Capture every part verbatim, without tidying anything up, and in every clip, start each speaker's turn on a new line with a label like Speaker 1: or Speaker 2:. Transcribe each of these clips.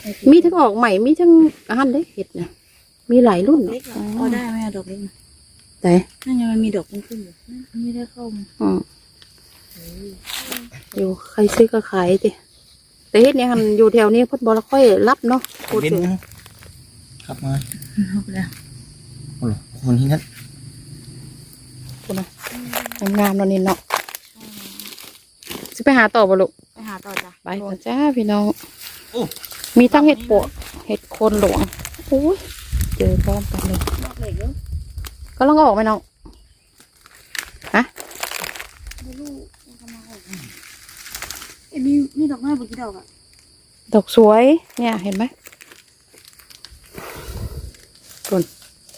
Speaker 1: มีทั้งออกใหม่มีทั้งอันได้เห็ดนะมีหลายรุ่น
Speaker 2: พอได้ไหมดอกเล็ก
Speaker 1: แต่
Speaker 2: นั่นยังมันมีดอกขึ้นอยู่ไม่ได้เข้ามา
Speaker 1: อืมอยู่ใครซื้อก็ขายดิแต่เห็ดเนี่ยมันอยู่แถวนี้พุทธบอลค่อยรับเนาะพูดถึง
Speaker 3: ครับมา
Speaker 2: เอาไปแล้ว
Speaker 3: โอ้โหคนที่นั่น
Speaker 1: พูดนะงามๆเนาะนี่เนาะจะไปหาต่อบ่ลูก
Speaker 2: ไปหาต่อจ้ะ
Speaker 1: ไปกันจ้าพี่น้องมีทั้งเห็ดปวกเห็ดโคนหลวงโอ้ยเจอพร้อมกันเลยก็ลองออกไหมน้องฮะ
Speaker 2: เอ็มมีมีดอกไม้บนที่ดอกอ่ะ
Speaker 1: ดอกสวยเนี่ยเห็นไหมตุน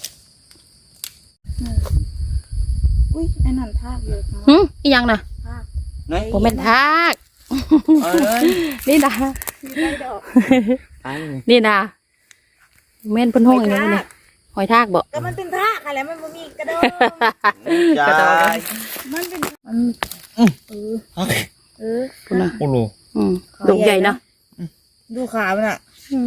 Speaker 2: อุ้ยไอ้นั่นทากเยอะนะ
Speaker 1: หืมอีกอย่างนะ
Speaker 2: ทาก
Speaker 1: ผมเป็นทากนี่นะนี่นะเม่นเพิ่นห้องอย่างนี้เลยหอยทากบอก
Speaker 2: ก็มันเป็นทากอะไรมันบ่มีกระโดด
Speaker 1: กระโดด
Speaker 2: มันเป็นมันเออเออ
Speaker 1: คุณนะ
Speaker 3: โอ้โห
Speaker 1: ดอกใหญ่นะ
Speaker 2: ดูขามันอ่ะ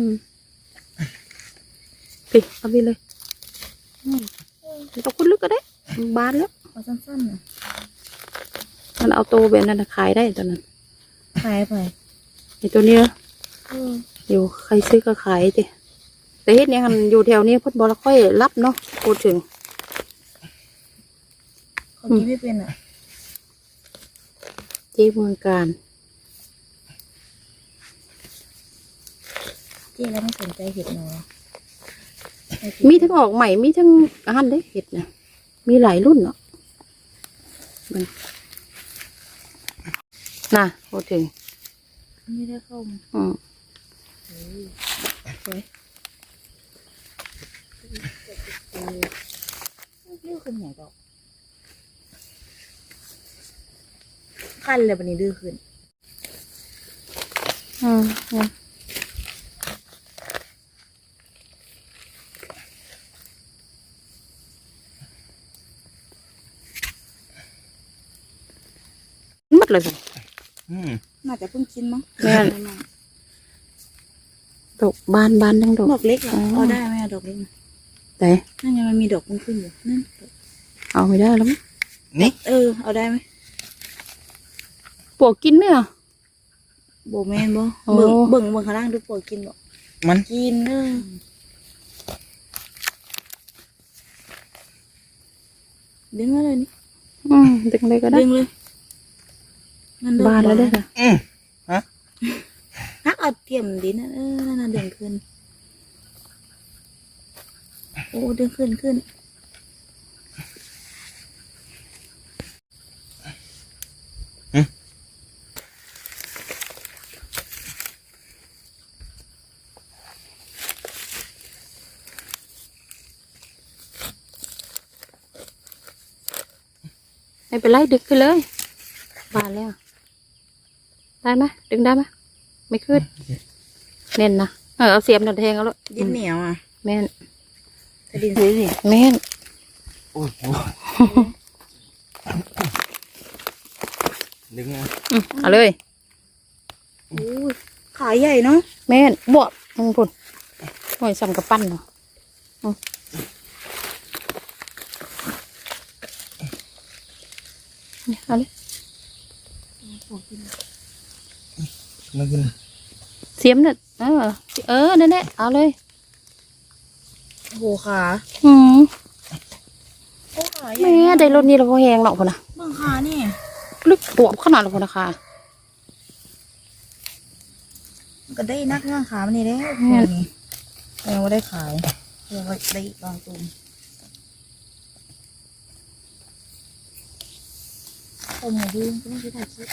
Speaker 1: ปิเอาไปเลยตกคุณลึกก็ได้บานแล้ว
Speaker 2: เอาสั้นๆนะ
Speaker 1: มันเอาตัวแบบนั้นขายได้ตอนนั้น
Speaker 2: ขายไป
Speaker 1: ไอตัวนี้อยู่ใครซื้อก็ขายดิแต่เห็ดเนี่ยมันอยู่แถวนี้พุทธบอลค่อยรับเนาะพูดถึง
Speaker 2: เขากินไม่เป็นอ่ะ
Speaker 1: เจ๊เมืองการ
Speaker 2: เจ๊แล้วไม่สนใจเห็ดหนอ
Speaker 1: มีทั้งออกใหม่มีทั้งอันได้เห็ดนะมีหลายรุ่นเนาะน่ะพูดถึง
Speaker 2: ไม่ได้เข้ามา
Speaker 1: อืม
Speaker 2: สวยดื้อขึ้นใหญ่ดอกขั้นเลยวันนี้ดื้อขึ้น
Speaker 1: อืมมัดเลย
Speaker 2: น่าจะเพิ่งกินมั้ง
Speaker 1: แม่ดอกบานบานทั้งดอก
Speaker 2: ดอกเล็กเหรอเอาได้ไหมดอกเล็ก
Speaker 1: แต่
Speaker 2: นั่นยังมันมีดอกขึ้นอยู่นั่น
Speaker 1: เอาไม่ได้แล้วมั้ง
Speaker 3: นี่
Speaker 2: เออเอาได้ไหม
Speaker 1: ปวกกินไหมอ่ะ
Speaker 2: โบแมนบ่เบิ่งเบิ่งเบิ่งข้างล่างดูปวกกินบ่
Speaker 3: มัน
Speaker 2: กินเออดึงมาเลยนี่
Speaker 1: อืมดึงเลยก็ได้
Speaker 2: ดึงเลย
Speaker 1: บานแล้วได้ค่ะ
Speaker 3: อืมฮะ
Speaker 2: ฮักเอาเทียมดินเออนั่นน่ะดึงขึ้นโอ้ดึงขึ้นขึ้น
Speaker 1: ไม่เป็นไรดึงขึ้นเลยบานแล้วได้ไหมดึงได้ไหมไม่ขึ้นเน่นนะเออเอาเสียมหนึ่งแทงเอาละ
Speaker 2: ดินเหนียวอ่ะ
Speaker 1: แม่น
Speaker 2: แต่ดินสีนี่
Speaker 1: แม่น
Speaker 3: โอ้โหดึงอ่ะ
Speaker 1: เอาเลย
Speaker 2: โอ้ยขาใหญ่เนาะ
Speaker 1: แม่นบวบมึงพุ่นหน่อยสั่งกระปั้นเนาะนี่เอาเลยเสียมเนี่ยเออเออนั่นแหละเอาเลย
Speaker 2: โหขา
Speaker 1: อืมแม่ได้รถนี้เราพอแหงหรอกคนนะ
Speaker 2: เบื้องขานี่
Speaker 1: ลึกปวบขนาดเราคนนะค่ะ
Speaker 2: ก็ได้นักงานขามันนี่แล้วนี่ยังไม่ได้ขายยังไม่ได้ลองตุ่มตุ่มมาดูก็ไม่ได้ถ่ายคลิป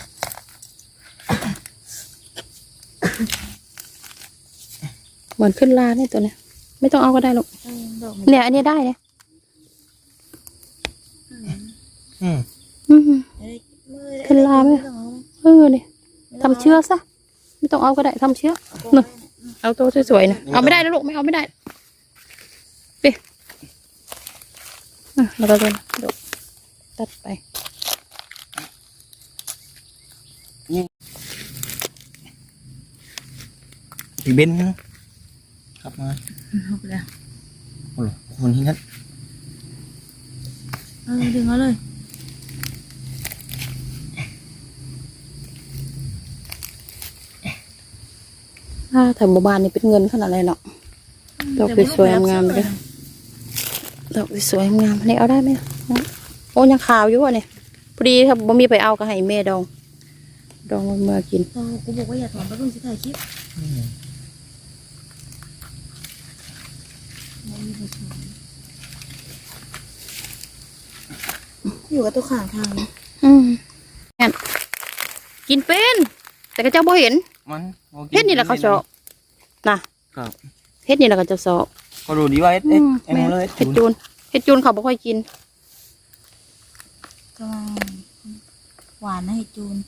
Speaker 1: เหมือนขึ้นลาเนี่ยตัวเนี้ยไม่ต้องเอาก็ได้หรอกเนี่ยอันนี้ได้เลย
Speaker 3: อืม
Speaker 1: อืมขึ้นลาไหมเออเนี่ยทำเชือกซะไม่ต้องเอาก็ได้ทำเชือกเนาะเอาตัวสวยๆนะเอาไม่ได้นะลูกไม่เอาไม่ได้ไปแล้วก็เดินตัดไป
Speaker 3: ปพี่เบนครับมา
Speaker 2: เอาไปแล้ว
Speaker 3: โอ้โหคนที่นั่น
Speaker 2: เออดึงเอาเลย
Speaker 1: ถ้าแถวหมู่บ้านนี่เป็นเงินขนาดไรเนาะดอกสวยๆงามๆเลยดอกสวยๆงามๆนี่เอาได้ไหมโอ้ยังขาวอยู่อ่ะเนี่ยพอดีถ้าบ่มีไปเอาก็ให้แม่ดองดองมากิน
Speaker 2: โอ้กูบอกว่าอย่าถอนไปเพิ่งจะถ่ายคลิปอยู่กับตัวข้างทาง
Speaker 1: อืมงั้นกินเป็น แต่ก็เจ้าบ่เห็น
Speaker 3: มัน
Speaker 1: เฮ็ดนี่แหละเขาเจาะนะครับ เฮ็ดนี่แหละก็จะเจาะ
Speaker 3: ก็ดูดีว่าเอ็ด
Speaker 1: อื
Speaker 3: เอ็ด
Speaker 1: ม
Speaker 3: เอ็ม
Speaker 1: แม่
Speaker 3: เลย
Speaker 1: เฮ็ดจูนเฮ็ดจูนเขาบ่ค่อยกิน
Speaker 2: ก็หวานนะเห็ดจูน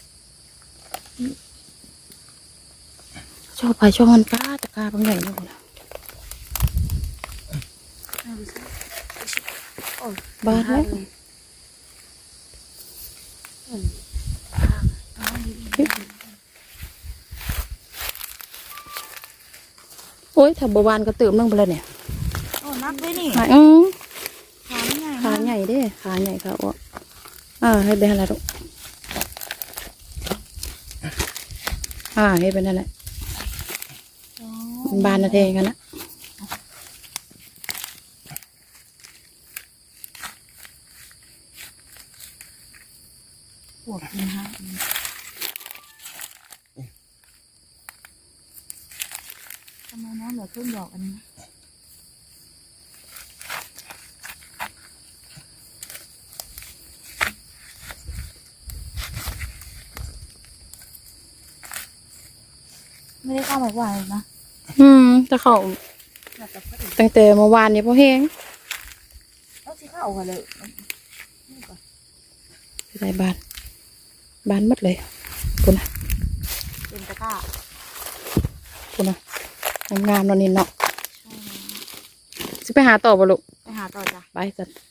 Speaker 1: ชอบไปช่องมันป้าตะกาบางใหญ่นะคุณบ้านแล้วโอ้ยถ้าบวานก็เติมลงไปแล้วเนี่ย
Speaker 2: โอ้นับด้วยนี่
Speaker 1: ขาอืม
Speaker 2: ขาไม่ใหญ่
Speaker 1: ขาใหญ่เด้ขาใหญ่ขาอ้วนอ่าให้เป็นอะไรลูกอ่าให้เป็นอะไรบานนะเทกันนะ
Speaker 2: ปวดกินฮะทำไมน้องเหลือครึ่งดอกอันนี้ไม่ได้เข้าหมายหวานเลยนะ
Speaker 1: อืมแต่เขาตั้งแต่เมื่อวานนี้พอแห้ง
Speaker 2: เอาสิเข้ากันเลย
Speaker 1: ใส่บานบานหมดเลยคุณนะ
Speaker 2: เป็นตะกร้า
Speaker 1: คุณนะงามๆเนอนนี่เนาะจะไปหาต่อบ่ลูก
Speaker 2: ไปหาต่อจ้ะ
Speaker 1: ไปกัน